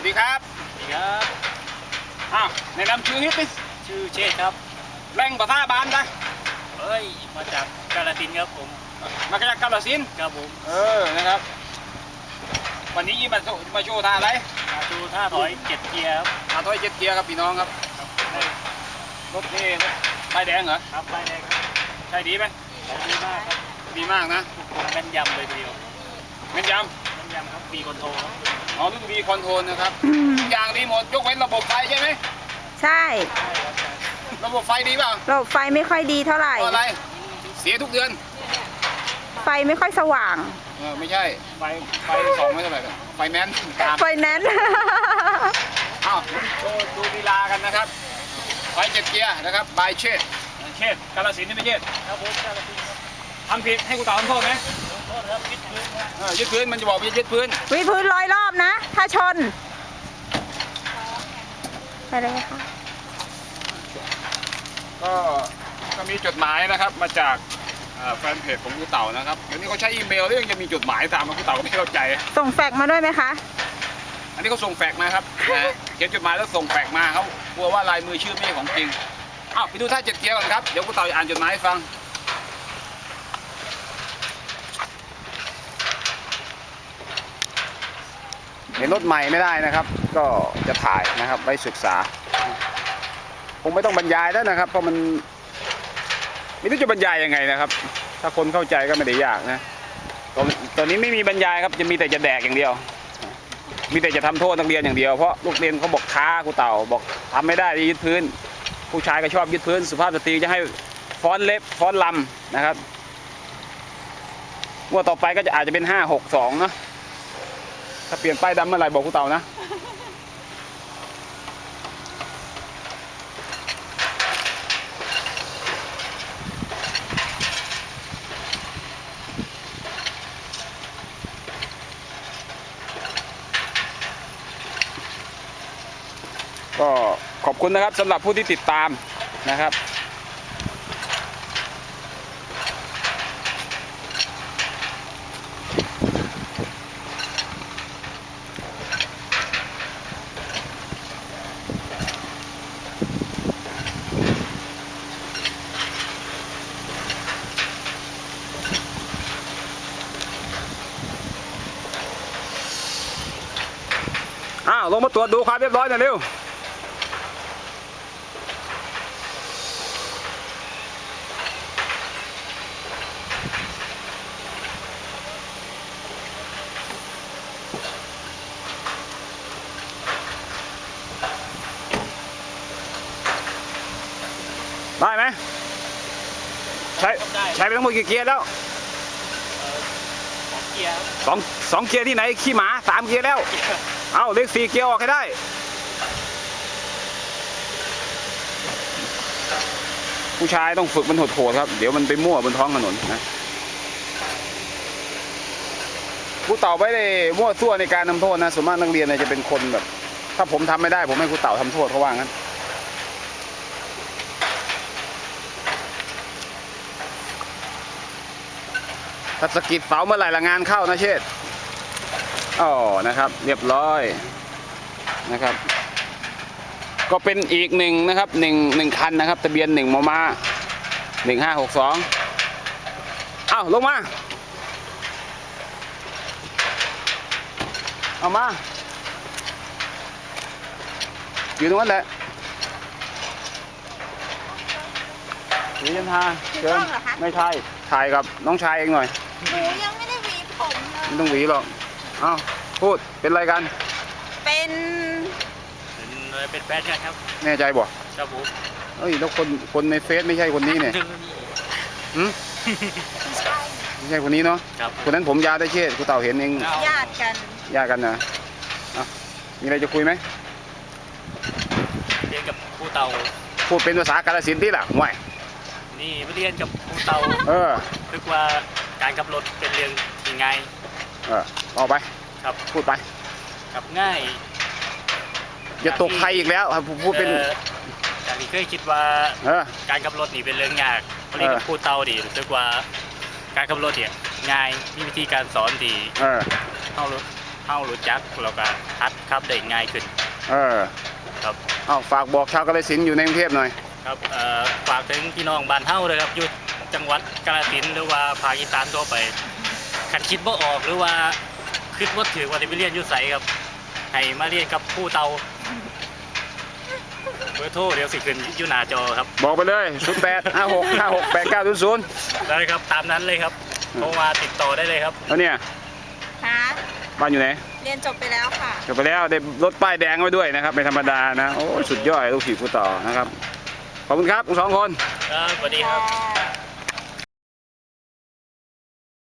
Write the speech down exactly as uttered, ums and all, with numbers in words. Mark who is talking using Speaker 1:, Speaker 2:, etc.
Speaker 1: ดีครับ
Speaker 2: สวัสดีครับ
Speaker 1: อ้าวแนะนำชื่อนิดนึง
Speaker 2: ชื่อเชษครับ
Speaker 1: แรงภาษาบานได้
Speaker 2: เฮ้ยมาจากกาฬสินธุ์ครับผม
Speaker 1: มาจากกาฬสินธุ์
Speaker 2: ครับผม
Speaker 1: เออนะครับวันนี้มาโชว์มาโชว์ท่าอะไร
Speaker 2: มาดูท่าถอยเจ็ดเกียร์ครับ
Speaker 1: ท่าถอยเจ็ดเกียร์ครับพี่น้องครับรถนี่รถไฟแดงเหรอ
Speaker 2: ครับไฟแดงครับ
Speaker 1: ใช่ดีไหม
Speaker 2: ใช้ดีมากครับ
Speaker 1: ดีมากนะ
Speaker 2: ทุกคนแม่นยำเลยทีเดียว
Speaker 1: แม่นยำ
Speaker 2: แม่นยำครับบีคอนโทรครับ
Speaker 1: อ๋อรุ่นบีคอนโทรลนะครับทุกอย่างดีหมดยกเว้นระบบไฟใช่ไหม
Speaker 3: ใช่
Speaker 1: ระบบไฟดีเปล่า
Speaker 3: ระบบไฟไม่ค่อยดีเท่าไหร่
Speaker 1: อะไรเสียทุกเดือน
Speaker 3: ไฟไม่ค่อยสว่าง
Speaker 1: เออไม่ใช่ไฟไฟสองไม่เท่าไหร่ไฟแนนซ์
Speaker 3: ไฟแนนซ์
Speaker 1: อ้าวโชว์ดูลีลากันนะครับไฟเจ็ดเกียร์นะครับบายเชษเชษกาฬสินธุ์นี่ไม่เชษ
Speaker 2: ครับผมกาฬสินธุ์ครับ
Speaker 1: ทำผิดให้กูตอบทำโทษไหม
Speaker 2: โทษครับยึดพื้นครับ
Speaker 1: เออยึดพื้นมันจะบอกว่ายึดพื้น
Speaker 3: วิพื้นร้อยรอบนะถ้าชนไปเลยค่ะ
Speaker 1: ก็ก็มีจดหมายนะครับมาจากแฟนเพจของกูเต่านะครับเดี๋ยวนี้เขาใช้อีเมลแล้วยังจะมีจดหมายตามมากูเต่าก็ไม่เข้าใจ
Speaker 3: ส่งแฟกซ์มาด้วยไหมคะ
Speaker 1: อันนี้เขาส่งแฟกซ์มาครับเขียนจดหมายแล้วส่งแฟกซ์มาเขากลัวว่าลายมือชื่อไม่ใช่ของจริงอ้าวไปดูท่าเจ็ดเกียร์ก่อนครับเดี๋ยวกูเต่าอ่านจดหมายให้ฟังเห็นรถใหม่ไม่ได้นะครับก็จะถ่ายนะครับไว้ศึกษาคงไม่ต้องบรรยายแล้วนะครับเพราะมันไม่รู้จะบรรยายยังไงนะครับถ้าคนเข้าใจก็ไม่ได้ยากนะตอนตอนนี้ไม่มีบรรยายครับจะมีแต่จะแดกอย่างเดียวมีแต่จะทำโทษนักเรียนอย่างเดียวเพราะลูกเรียนเขาบอกท้าครูเต่าบอกทำไม่ได้ยึดพื้นผู้ชายก็ชอบยึดพื้นสุภาพสตรีจะให้ฟ้อนเล็บฟ้อนลำนะครับงวดต่อไปก็จะอาจจะเป็นห้าหกสองเนาะถ้าเปลี่ยนป้ายดำเมื่อไหร่บอกครูเต่านะก็ขอบคุณนะครับสำหรับผู้ที่ติดตามนะครับอ้าวลงมาตรวจดูความเรียบร้อยหน่อยเร็วได้ไหมใช้ใช้ไปทั้งหมดกี่เกียร์แล้ว
Speaker 2: สองเกียร์
Speaker 1: สองสองเกียร์ที่ไหนขี้หมาสามเกียร์แล้วเอาเลขสี่เกียร์ออกให้ได้ผู้ชายต้องฝึกมันโหดๆครับเดี๋ยวมันไปมั่วบนท้องถนนนะผู้เต่าไม่ได้มั่วซั่วในการทำโทษนะส่วนมากนักเรียนเนี่ยจะเป็นคนแบบถ้าผมทำไม่ได้ผมให้ครูเต่าทำโทษเขาว่างั้นถ้าสกิดเสาเมื่อไหร่ละงานเข้านะเชษอ๋อนะครับเรียบร้อยนะครับก็เป็นอีกหนึ่งนะครับหนึ่งหนึ่งคันนะครับทะเบียนหนึ่งมมหนึ่งห้าหกสองเอ้าลงมาเอามาอยู่ตรงนั้นแหละหรือยันทาเชิญไม่ใช่ถ่ายกับน้องชายเองหน่อย
Speaker 3: หนูยังไม่ได้หวีผมเลย
Speaker 1: ไม่ต้องหวีหรอกเอ้าพูดเป็นอะไรกัน
Speaker 3: เป็น
Speaker 2: เป็นเป็นแฟนกันครับ
Speaker 1: แน่ใจบ่
Speaker 2: ครับผม
Speaker 1: เอ้ยแล้วคนคนในเฟซไม่ใช่คนนี้เนี่ยหืมไม่ใช่คนนี้เนาะคนนั้นผมยาวได้เชษกูเต่าเห็นเอง
Speaker 3: ญาติกัน
Speaker 1: ญาติกันนะอ่ะมีอะไรจะคุยไหม
Speaker 2: เรียนกับครูเต่า
Speaker 1: พูดเป็นภาษากาฬสินธุ์ที่ล่ะห่วย
Speaker 2: นี่เรียนกับครูเต่า
Speaker 1: เออ
Speaker 2: นึกว่าการขับรถเป็นเรื่องยังไง
Speaker 1: เออออกไป
Speaker 2: ครับ
Speaker 1: พูดไป
Speaker 2: ขับง่าย
Speaker 1: อย่าตกใครอีกแล้วพูดเป็น
Speaker 2: อย่างที่เคยคิดว่าการขับรถนี่เป็นเรื่องยากพอดีกับครูเต่าดิรู้สึกว่าการขับรถเนี่ยง่ายมีวิธีการสอนดี
Speaker 1: เออ
Speaker 2: เอาเฮารู้จักแล้วก็ฮัดขับได้ง่ายขึ้น
Speaker 1: เออ
Speaker 2: ครับ
Speaker 1: เอาฝากบอกชาวกาฬสินธุ์อยู่ในกรุงเทพหน่อย
Speaker 2: ครับเอ่อฝากถึงพี่น้องบ้านเฮาเลยครับอยู่จังหวัดกาฬสินธุ์หรือว่าภาคอีสานทั่วไปคันคิดบ่ออกหรือว่าคิดว่าถือว่าได้ไปเรียนอยู่ไสครับให้มาเรียนกับครูเตาเบอร์โทรเดี๋ยวสิขึ้นอยู่หน้าจอครับ
Speaker 1: บอกไปเลยศูนย์แปดห้าหกห้าหกแปดเก้าศูนย์ศูนย์
Speaker 2: ได้ครับตามนั้นเลยครับโทรมาติดต่อได้เลยครับ
Speaker 1: แล้วเนี่ย
Speaker 3: ค่ะ
Speaker 1: บ้านอยู่ไหน
Speaker 3: เรียนจบไปแล้วค่ะ
Speaker 1: จบไปแล้วได้รถป้ายแดงไว้ด้วยนะครับไม่ธรรมดานะโอ้สุดยอดลูกศิษย์ผู้ต่อนะครับขอบคุณครับทั้งสองคน
Speaker 2: ครับสวัสดีครับ
Speaker 3: ค่ะ